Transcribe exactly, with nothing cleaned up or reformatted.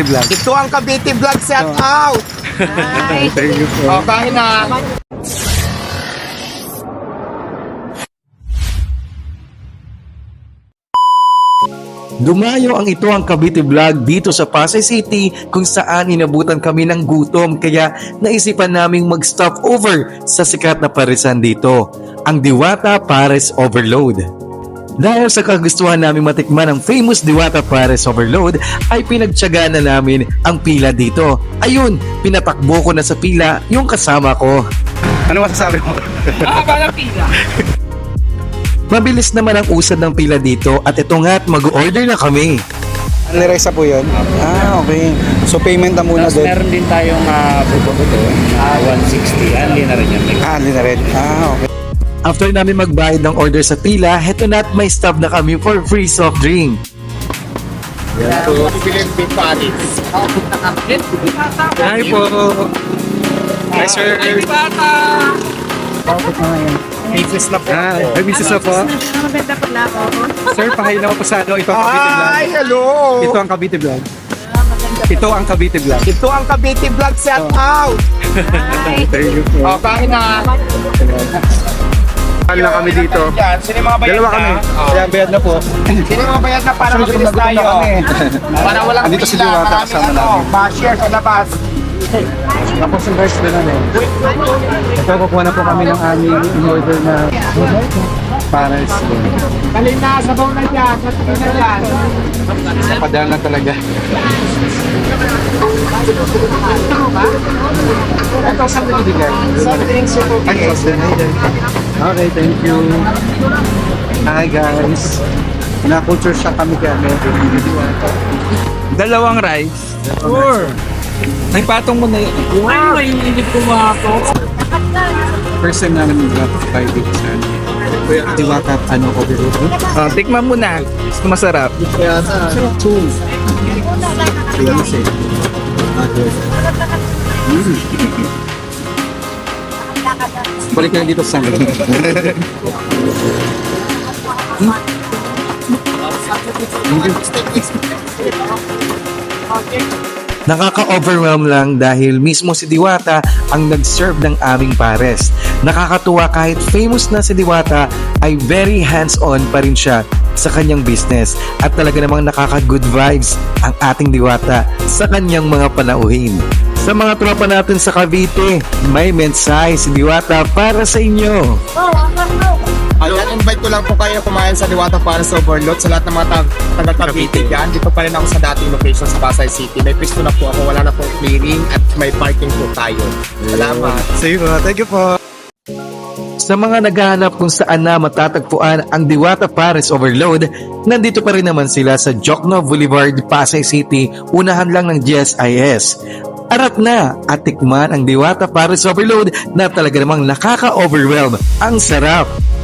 Vlog. Ito ang Cavite Vlog, shout Oh. out! Thank you po. O, kain na. Dumayo ang ito ang Cavite Vlog dito sa Pasay City kung saan inabutan kami ng gutom kaya naisipan naming mag-stop over sa sikat na parisan dito, ang Diwata Pares Overload. Dahil sa kagustuhan namin matikman ang famous Diwata Pares Overload ay pinagtiyagaan na namin ang pila dito. Ayun, pinatakbo ko na sa pila yung kasama ko. Ano masasabi mo? Mabilis naman ang usad ng pila dito at ito nga't mag-order na kami. Anliresa po yun? Ah, okay. So payment na muna Tapos doon. meron din tayong uh, buto-buto na one sixty. Anli na rin yan. Ah, anli na rin. Ah, okay. After namin magbayad ng order sa pila, heto na't may stop na kami for free soft drink. So, bibili yung beef patties. Hi po. Hi sir. Pieces na po. Ah, may business na po. Maganda pala ako. Sir, pahayin ako po sa ano. Ito ang Cavite Vlog. Hi, hello! Ito ang Cavite Vlog. Ito ang Cavite Vlog. Ito ang Cavite Vlog, shout out! Thank you po. O, kain na. Saan lang kami dito? Yan, sino yung mga bayad Dalawa na? kami. O. Kaya bayad na po. Sino yung mga bayad na para Sunod-sunod mabilis na gutom tayo? na kami. Para walang Andito si pila, Diwata, maraming kasama ano, namin. ma-share sa labas. Tapos yung rice na lang eh. Ito, kukuha na po kami ng aming in-order na pares. Kalina, sabaw na dyan, sabaw na dyan. Padaan na talaga. Ito sa pinibigay. Something super big. Okay, thank you. Hi guys. Na-culture shock kami kaya medyo. Dalawang rice. Sure. May patong mo na yun. Wow! Ay, mainit ko ako. First time namin mag-grab five weeks na. Kuya, Diwata, ano, overload? Uh, tikman mo na. Gusto masarap. Kaya sa two. Kaya mo siya. Balik na dito sa akin. Nakaka-overwhelm lang dahil mismo si Diwata ang nag-serve ng aming pares. Nakakatuwa kahit famous na si Diwata ay very hands-on pa rin siya sa kanyang business at talaga namang nakaka-good vibes ang ating Diwata sa kanyang mga panauhin. Sa mga tropa natin sa Cavite, may mensahe si Diwata para sa inyo. Ayan, invite ko lang po kayo kumain sa Diwata Pares Overload sa lahat ng mga tag- taga Cavite dyan. Dito pa rin ako sa dating location sa Pasay City. May pwesto na po ako, wala na pong clearing at may parking po tayo. Salamat. Sige po, thank you po. Sa mga naghahanap kung saan na matatagpuan ang Diwata Pares Overload, nandito pa rin naman sila sa Jokno Boulevard, Pasay City, unahan lang ng G S I S. Arat na at tikman ang Diwata Pares Overload na talaga namang nakaka-overwhelm. Ang sarap!